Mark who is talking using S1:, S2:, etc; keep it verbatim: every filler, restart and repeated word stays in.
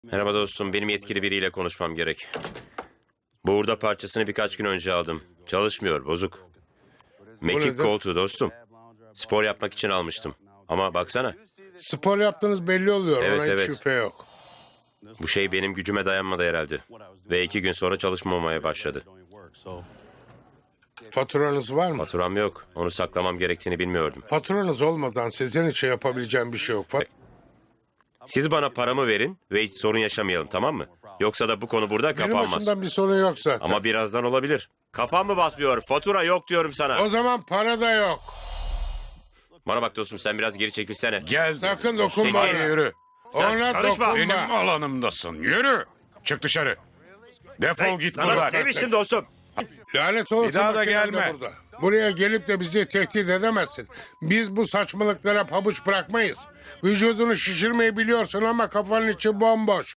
S1: Merhaba dostum, benim yetkili biriyle konuşmam gerek. Bu hurda parçasını birkaç gün önce aldım. Çalışmıyor, bozuk. Mekik
S2: nedir?
S1: koltuğu dostum. Spor yapmak için almıştım. Ama baksana,
S2: Spor yaptığınız belli oluyor.
S1: Evet,
S2: Ona hiç
S1: evet.
S2: şüphe yok.
S1: bu şey benim gücüme dayanmadı herhalde. Ve iki gün sonra çalışmamaya başladı.
S2: Faturanız var mı?
S1: Faturam yok, onu saklamam gerektiğini bilmiyordum.
S2: Faturanız olmadan sizin için yapabileceğim bir şey yok. Fat-
S1: Siz bana paramı verin ve hiç sorun yaşamayalım, tamam mı? Yoksa da bu konu burada
S2: Benim
S1: kapanmaz.
S2: açımdan bir sorun yok zaten.
S1: Ama birazdan olabilir. Kafam mı basmıyor? Fatura yok diyorum sana.
S2: O zaman para da yok.
S1: Bana bak dostum, sen biraz geri çekilsene.
S3: Gel.
S2: Sakın
S3: Dostum,
S2: dokunma
S3: hadi
S2: ona.
S3: yürü.
S2: Ona
S1: karışma.
S2: dokunma.
S3: Benim alanımdasın. Yürü. Çık dışarı. Defol
S1: Hey,
S3: git
S1: sana
S3: buradan.
S1: demiştim dostum.
S2: Lanet olsun
S3: Bir daha da
S2: makinem de
S3: gelme.
S2: burada. Buraya gelip de bizi tehdit edemezsin. Biz bu saçmalıklara pabuç bırakmayız. Vücudunu şişirmeyi biliyorsun ama kafanın içi bomboş.